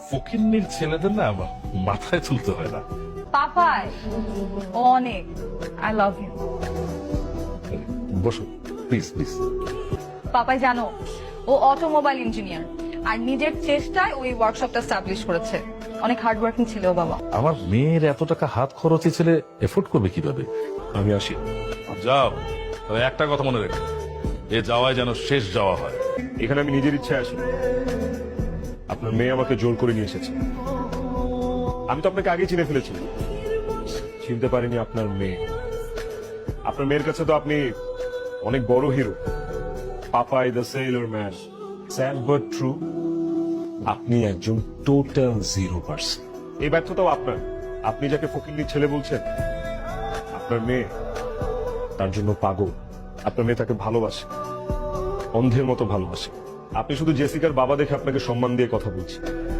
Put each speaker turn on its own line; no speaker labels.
ফকিন্নির ছেলেদের না মাথায় তুলতে হয় না।
পাপাই অনেক আই লাভ ইউ।
বসো প্লিজ প্লিজ।
পাপাই জানো ও অটোমোবাইল ইঞ্জিনিয়ার আর নিজের চেষ্টায় ওই ওয়ার্কশপটা স্টাবলিশ করেছে। অনেক হার্ড ওয়ার্কিং ছিল ও বাবা।
আমার মেয়ের এত টাকা হাত খরচে ছেলে এফোর্ড করবে কিভাবে?
আমি আসি।
যাও, তবে একটা কথা মনে রেখো, এ যাওয়ায় যেন শেষ যাওয়া হয়।
এখানে আমি নিজের ইচ্ছায় আসি। আপনার মেয়ে আমাকে জোর করে নিয়ে এসেছে। আমি তো আপনাকে আগেই চিনে ফেলেছি, চিনতে পারিনি আপনার মেয়ে। আপনার মেয়ের কাছে তো আপনি অনেক বড় hero, Popeye the sailor man. Sad but true, আপনি একজন টোটাল 0%। এই ব্যর্থতাও আপনার। আপনি যাকে ফকিন্নির ছেলে বলছেন, আপনার মেয়ে তার জন্য পাগল। আপনার মেয়ে তাকে ভালোবাসে, অন্ধের মতো ভালোবাসে। আপনি শুধু জেসিকার বাবা দেখে আপনাকে সম্মান দিয়ে কথা বলছেন।